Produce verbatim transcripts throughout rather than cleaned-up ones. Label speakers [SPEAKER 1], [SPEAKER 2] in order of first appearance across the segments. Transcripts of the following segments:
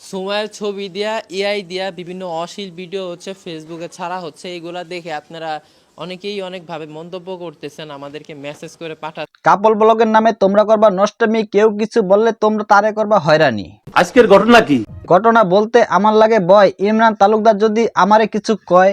[SPEAKER 1] সুমাইয়ের ছবি দিয়া এআই দিয়া বিভিন্ন অশ্লীল ভিডিও হচ্ছে ফেসবুকে ছাড়া হচ্ছে, এগুলা দেখে আপনারা অনেকেই অনেকভাবে মন্তব্য করতেছেন, আমাদেরকে মেসেজ করে পাঠা।
[SPEAKER 2] কাপল ব্লগের নামে তোমরা করবা নষ্টমী, কেউ কিছু বললে তোমরা তারে করবা হয়রানি।
[SPEAKER 3] আজকের ঘটনা কি?
[SPEAKER 2] ঘটনা বলতে আমার লাগে বয়, ইমরান তালুকদার যদি আমারে কিছু কয়।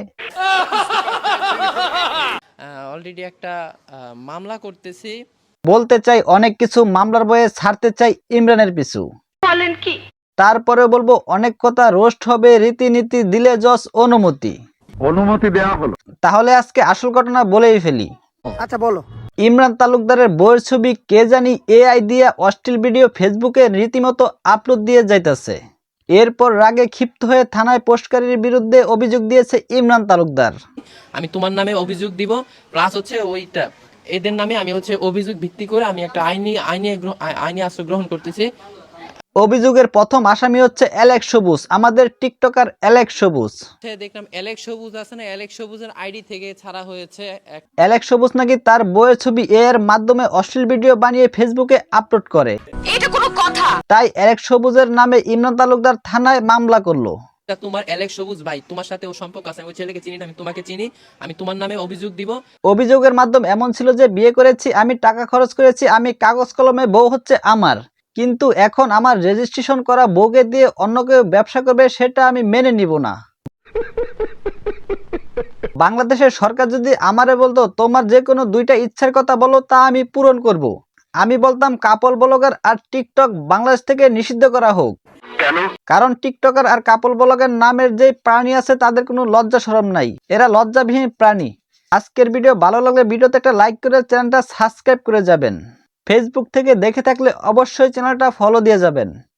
[SPEAKER 1] অলরেডি একটা আহ, মামলা করতেছি।
[SPEAKER 2] বলতে চাই অনেক কিছু, মামলার বয়ে ছাড়তে চাই ইমরানের পিছু।
[SPEAKER 4] বলেন কি?
[SPEAKER 2] তারপরে বলবো অনেক কথা, রোস্ট হবে রীতিনীতি, দিলে জজ অনুমতি।
[SPEAKER 3] অনুমতি দেওয়া হলো।
[SPEAKER 2] তাহলে আজকে আসল ঘটনা বলেই ফেলি।
[SPEAKER 4] আচ্ছা বলো।
[SPEAKER 2] ইমরান তালুকদারের বইয়ের ছবি কে জানি এআই দিয়ে অশ্লীল ভিডিও ফেসবুকে রীতিমতো আপলোড দিয়ে যাইতেছে। এরপর রাগে ক্ষিপ্ত হয়ে থানায় পোস্টকারীর বিরুদ্ধে অভিযোগ দিয়েছে ইমরান তালুকদার।
[SPEAKER 1] আমি তোমার নামে অভিযোগ দিব, প্লাস হচ্ছে ওইটা এদের নামে আমি হচ্ছে অভিযোগ ভিত্তি করে আমি একটা আইনি আইনি গ্রহ- আই- আইনি আশ্রয় গ্রহণ করতেছি।
[SPEAKER 2] অভিযোগের প্রথম আসামি হচ্ছে অ্যালেক্স সবুজ, আমাদের টিকটকার অ্যালেক্স সবুজ।
[SPEAKER 1] দেখলাম অ্যালেক্স সবুজ আছে না, অ্যালেক্স সবুজের আইডি থেকে ছাড়া হয়েছে এক-
[SPEAKER 2] অ্যালেক্স সবুজ নাকি তার বইয়ের ছবি এর মাধ্যমে অশ্লীল ভিডিও বানিয়ে ফেসবুকে আপলোড করে।
[SPEAKER 4] এটা কোনো কথা?
[SPEAKER 2] তাই অ্যালেক্স সবুজের নামে ইমরান তালুকদার থানায় মামলা করলো।
[SPEAKER 1] তা তোমার অ্যালেক্স সবুজ ভাই, তোমার সাথে ও সম্পর্ক আছে, আমি ওই ছেলেকে চিনি না, আমি তোমাকে চিনি, আমি তোমার নামে অভিযোগ দিব।
[SPEAKER 2] অভিযোগের মাধ্যম এমন ছিল যে বিয়ে করেছি আমি, টাকা খরচ করেছি আমি, কাগজ কলমে বউ হচ্ছে আমার, কিন্তু এখন আমার রেজিস্ট্রেশন করা বউকে দিয়ে অন্য কেউ ব্যবসা করবে, সেটা আমি মেনে নিব না। বাংলাদেশের সরকার যদি আমারে বলতো তোমার যে কোনো দুইটা ইচ্ছার কথা বলো, তা আমি পূরণ করব, আমি বলতাম কাপল ব্লগার আর টিকটক বাংলাদেশ থেকে নিষিদ্ধ করা হোক।
[SPEAKER 3] কেন?
[SPEAKER 2] কারণ টিকটকার আর কাপল ব্লগার নামের যে প্রাণী আছে তাদের কোনো লজ্জা শরম নাই, এরা লজ্জাবিহীন প্রাণী। আজকের ভিডিও ভালো লাগলে ভিডিওতে একটা লাইক করে চ্যানেলটা সাবস্ক্রাইব করে যাবেন। ফেসবুক থেকে দেখে থাকলে অবশ্যই চ্যানেলটা ফলো দিয়ে যাবেন।